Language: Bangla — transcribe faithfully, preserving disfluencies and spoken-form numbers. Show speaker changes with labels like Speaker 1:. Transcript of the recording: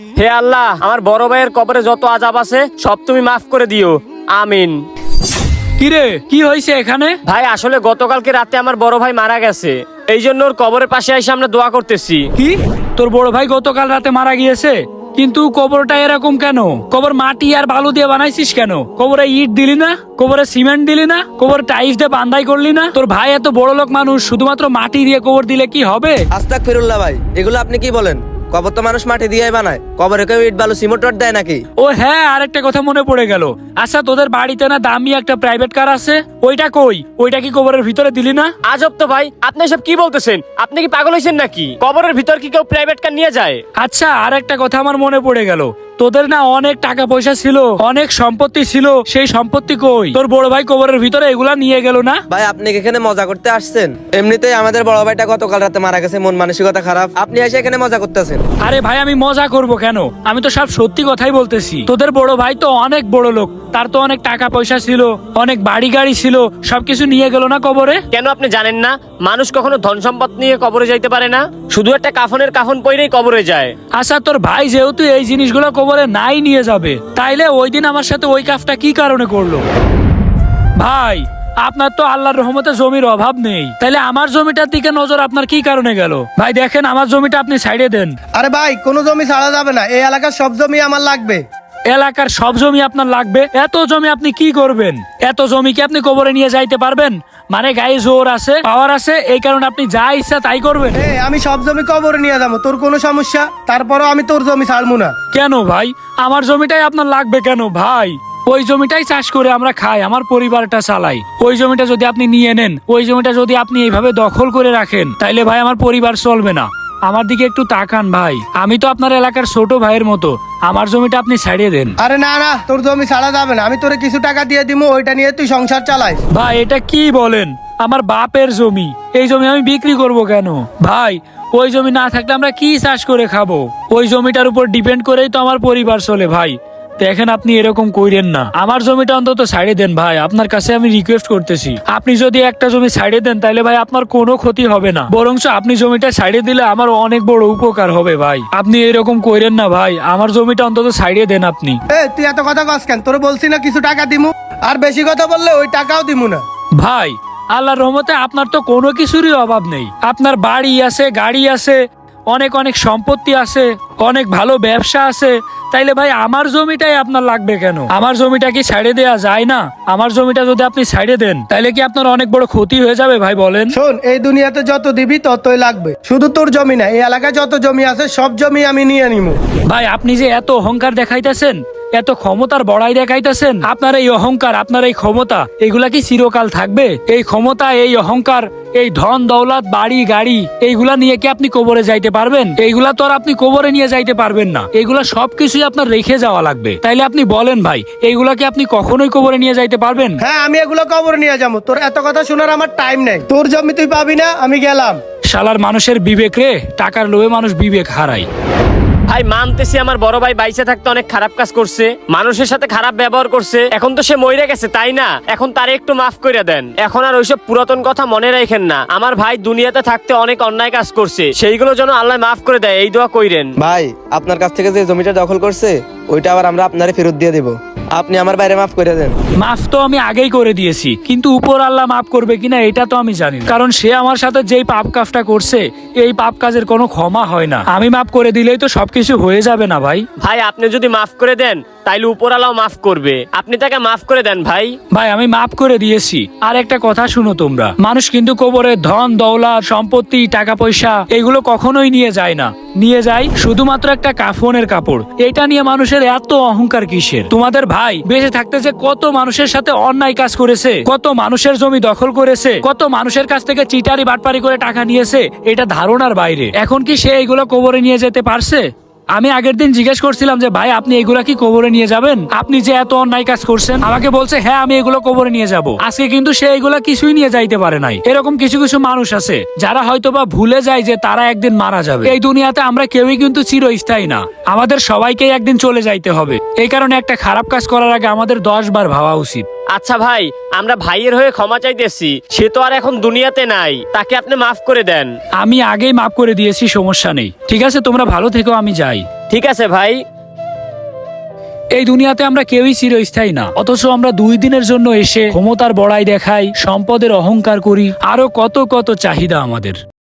Speaker 1: হে আল্লাহ, আমার বড় ভাইয়ের কবরে যত আযাব আছে সব তুমি মাফ করে দিও, আমিন।
Speaker 2: কিরে, কি হয়েছে এখানে?
Speaker 1: ভাই আসলে গতকালকে রাতে আমার বড় ভাই মারা গেছে, এই জন্য ওর কবরের পাশে এসে আমরা দোয়া করতেছি।
Speaker 2: কি, তোর বড় ভাই গতকাল রাতে মারা গিয়েছে? কিন্তু কবরটা এরকম কেন? কবর মাটি আর বালু দিয়ে বানাইছিস কেন? কবরে ইট দিলি না? কবরে সিমেন্ট দিলি না? কবর টাইলস দিয়ে বান্ধাই করলি না? তোর ভাই এত বড় লোক মানুষ, শুধুমাত্র মাটি দিয়ে কবর দিলে কি হবে?
Speaker 3: আস্তাগফিরুল্লাহ ভাই, এগুলো আপনি কি বলেন? কবর তো মানুষ মাটি দিয়েই বানায়, কবরে কেউ ইট বালু সিমেন্ট রড দেয় নাকি?
Speaker 2: ও হ্যাঁ, আরেকটা কথা মনে পড়ে গেল। আচ্ছা, তোদের বাড়িতে না দামি একটা প্রাইভেট কার আছে, ওইটা কই? ওইটা কি কবরের ভিতরে দিলি না?
Speaker 1: আজব তো ভাই, আপনি সব কি বলতেছেন? আপনি কি পাগল হয়েছেন নাকি? কবরের ভিতর কি কেউ প্রাইভেট কার নিয়ে যায়?
Speaker 2: আচ্ছা, আর একটা কথা আমার মনে পড়ে গেল। তোদের না অনেক টাকা পয়সা ছিল, অনেক সম্পত্তি ছিল, সেই সম্পত্তি কই? তোর বড় ভাই কবরের ভিতরে এগুলা নিয়ে গেল না?
Speaker 3: ভাই আপনি কি এখানে মজা করতে আসছেন? এমনিতেই আমাদের বড় ভাইটা গতকাল রাতে মারা গেছে, মন মানসিকতা খারাপ, আপনি এসে এখানে মজা করতেছেন।
Speaker 2: আরে ভাই, আমি মজা করব কেন? আমি তো সব সত্যি কথাই বলতেছি। তোদের বড় ভাই তো অনেক বড় লোক, তার তো অনেক টাকা পয়সা ছিল, অনেক বাড়ি গাড়ি ছিল, সবকিছু নিয়ে গেল না কবরে?
Speaker 1: কেন আপনি জানেন না মানুষ কখনো ধন সম্পদ নিয়ে কবরে যাইতে পারে না? শুধু একটা কাফনের কাফন পইরেই কবরে যায়।
Speaker 2: আচ্ছা, তোর ভাই যেহেতু এই জিনিসগুলো কবরে নাই নিয়ে যাবে, তাইলে ওই দিন আমার সাথে ওই কাজটা কি কারণে করলো? ভাই, আপনার তো আল্লাহর রহমতে জমির অভাব নেই, তাইলে আমার জমিটার দিকে নজর আপনার কি কারণে গেল? ভাই দেখেন, আমার জমিটা আপনি সাইডে দেন।
Speaker 4: আরে ভাই, কোনো জমি ছাড়া যাবে না, এই এলাকার সব জমি আমার লাগবে।
Speaker 2: এলাকার সব জমি আপনার লাগবে? এত জমি আপনি কি করবেন? এত জমি কি আপনি কবরে নিয়ে যাইতে পারবেন? মানে গায়ে জোর আছে, পাওয়ার আছে, এই কারণে আপনি যা ইচ্ছা তাই করবেন?
Speaker 4: এ আমি সব জমি কবরে নিয়ে যাবো, তোর কোনো সমস্যা? তারপরও আমি তোর জমি ছাড়বো না।
Speaker 2: কেন ভাই, আমার জমিটাই আপনার লাগবে কেন ভাই? ওই জমিটাই চাষ করে আমরা খাই, আমার পরিবারটা চালাই। ওই জমিটা যদি আপনি নিয়ে নেন, ওই জমিটা যদি আপনি এইভাবে দখল করে রাখেন, তাইলে ভাই আমার পরিবার চলবে না। আমার দিকে একটু তাকান ভাই, আমি তো আপনার এলাকার ছোট ভাইয়ের মতো, আমার জমিটা আপনি ছাড়িয়ে দেন।
Speaker 4: আরে না না, তোর জমি ছাড়া যাবে না, আমি তোরে কিছু টাকা দিয়ে দিবো, ওইটা নিয়ে তুই সংসার চালাই।
Speaker 2: ভাই এটা কি বলেন? আমার বাপের জমি, এই জমি আমি বিক্রি করব কেন ভাই? ওই জমি না থাকলে আমরা কি চাষ করে খাবো? ওই জমিটার উপর ডিপেন্ড করেই তো আমার পরিবার চলে ভাই। দেখেন, আপনি এরকম কইরেন না, আমার জমিটা অন্তত ছাড়িয়ে দেন ভাই, আপনার কাছে আমি রিকোয়েস্ট করতেছি। আপনি যদি একটা জমি ছাড়িয়ে দেন, তাহলে ভাই আপনার কোনো ক্ষতি হবে না, বরঞ্চ আপনি জমিটা ছাড়িয়ে দিলে আমার অনেক বড় উপকার হবে ভাই। আপনি এরকম কইরেন না ভাই, আমার জমিটা অন্তত ছাড়িয়ে দেন আপনি।
Speaker 4: এ তুই এত কথা কস কেন? তোর বলছি না কিছু টাকা দিমু, আর বেশি কথা বললে ওই টাকাও দিমু না।
Speaker 2: ভাই, আল্লাহর রহমতে আপনার তো কোনো কিছুরই অভাব নেই, আপনার বাড়ি আছে, গাড়ি আছে, অনেক অনেক সম্পত্তি আছে, অনেক ভালো ব্যবসা আছে, তাইলে ভাই আমার জমিটাই আপনার লাগবে কেন? আমার জমিটা কি ছাড়ে দেয়া যায় না? আমার জমিটা যদি আপনি ছাড়ে দেন, তাইলে কি আপনার অনেক বড় ক্ষতি হয়ে যাবে ভাই? বলেন।
Speaker 4: শোন, এই দুনিয়াতে যত দিবি ততই লাগবে, শুধু তোর জমি না, এই এলাকায় যত জমি আছে সব জমি আমি নিয়ে নিবো।
Speaker 2: ভাই, আপনি যে এত অহংকার দেখাইতেছেন, এত ক্ষমতার বড়াই দেখাইতেছেন, আপনার এই অহংকার, আপনার এই ক্ষমতা, এগুলা কি চিরকাল থাকবে? এই ক্ষমতা, এই অহংকার, এই ধন দৌলত, বাড়ি গাড়ি, এইগুলা নিয়ে কি আপনি কবরে যাইতে পারবেন? এইগুলা তো আর আপনি কবরে নিয়ে যাইতে পারবেন না, এগুলা সবকিছুই আপনার রেখে যাওয়া লাগবে। তাইলে আপনি বলেন ভাই, এইগুলা কি আপনি কখনোই কবরে নিয়ে যাইতে পারবেন?
Speaker 4: হ্যাঁ, আমি এগুলো কবরে নিয়ে যাবো, তোর এত কথা শোনার আমার টাইম নেই। তোর জমি তুই পাবি না, আমি গেলাম।
Speaker 2: শালার মানুষের বিবেক রে, টাকার লোভে মানুষ বিবেক হারায়।
Speaker 1: ভাই মানতেছি আমার বড় ভাই বাইসে থাকতে অনেক খারাপ কাজ করছে, মানুষের সাথে খারাপ ব্যবহার করছে, এখন তো সে মরে গেছে তাই না? এখন তারে একটু মাফ করে দেন, এখন আর ওইসব পুরাতন কথা মনে রাখেন না। আমার ভাই দুনিয়াতে থাকতে অনেক অন্যায় কাজ করছে, সেইগুলো যেন আল্লাহ মাফ করে দেয়, এই দোয়া কইরেন।
Speaker 3: ভাই আপনার কাছ থেকে যে জমিটা দখল করছে, ওইটা আবার আমরা আপনারে ফেরত দিয়ে দেব, আপনি আমার বাইরে মাফ করে দেন।
Speaker 2: মাফ তো আমি আগেই করে দিয়েছি, কিন্তু উপর আল্লাহ মাফ করবে কিনা এটা তো আমি জানি না, কারণ সে আমার সাথে যেই পাপ কাজটা করছে, এই পাপ কাজের কোনো ক্ষমা হয় না। আমি মাফ করে দিলেই তো সবকিছু হয়ে যাবে না ভাই?
Speaker 1: ভাই আপনি যদি মাফ করে দেন, তাইলে উপরালাও মাফ করবে, আপনি তাকে মাফ করে দেন ভাই।
Speaker 2: ভাই আমি মাফ করে দিয়েছি। আর একটা কথা শুনো তোমরা, মানুষ কিন্তু কবরে ধন দৌলত, সম্পত্তি, টাকা পয়সা এগুলো কখনোই নিয়ে যায় না, নিয়ে যায় শুধুমাত্র একটা কাফনের কাপড়। এটা নিয়ে মানুষের এত অহংকার কিসের? তোমাদের ভাই বেঁচে থাকতে যে কত মানুষের সাথে অন্যায় কাজ করেছে, কত মানুষের জমি দখল করেছে, কত মানুষের কাছ থেকে চিটারি বাটপারি করে টাকা নিয়েছে, এটা ধারণার বাইরে। এখন কি সে এগুলো কবরে নিয়ে যেতে পারছে? আমি আগের দিন জিজ্ঞেস করছিলাম যে ভাই আপনি এগুলা কি কবরে নিয়ে যাবেন? আপনি যে এত অন্যায় কাজ করছেন, আমাকে বলছে হ্যাঁ আমি এগুলো কবরে নিয়ে যাব। আজকে কিন্তু সে এগুলা কিছুই নিয়ে যাইতে পারে নাই। এরকম কিছু কিছু মানুষ আছে যারা হয়তোবা ভুলে যায় যে তারা একদিন মারা যাবে। এই দুনিয়াতে আমরা কেউই কিন্তু চিরস্থায়ী না, আমাদের সবাইকেই একদিন চলে যাইতে হবে। এই কারণে একটা খারাপ কাজ করার আগে আমাদের দশ বার ভাবা উচিত।
Speaker 1: আচ্ছা ভাই, আমরা ভাইয়ের হয়ে ক্ষমা চাইতেছি, সে তো আর এখন দুনিয়াতে নাই, তাকে আপনি মাফ করে দেন।
Speaker 2: আমি আগেই মাফ করে দিয়েছি, সমস্যা নেই। ঠিক আছে, তোমরা ভালো থেকো, আমি যাই।
Speaker 1: ঠিক আছে ভাই।
Speaker 2: এই দুনিয়াতে আমরা কেউই চিরস্থায়ী না, অথচ আমরা দুই দিনের জন্য এসে ক্ষমতার বড়াই দেখাই, সম্পদের অহংকার করি, আরো কত কত চাহিদা আমাদের।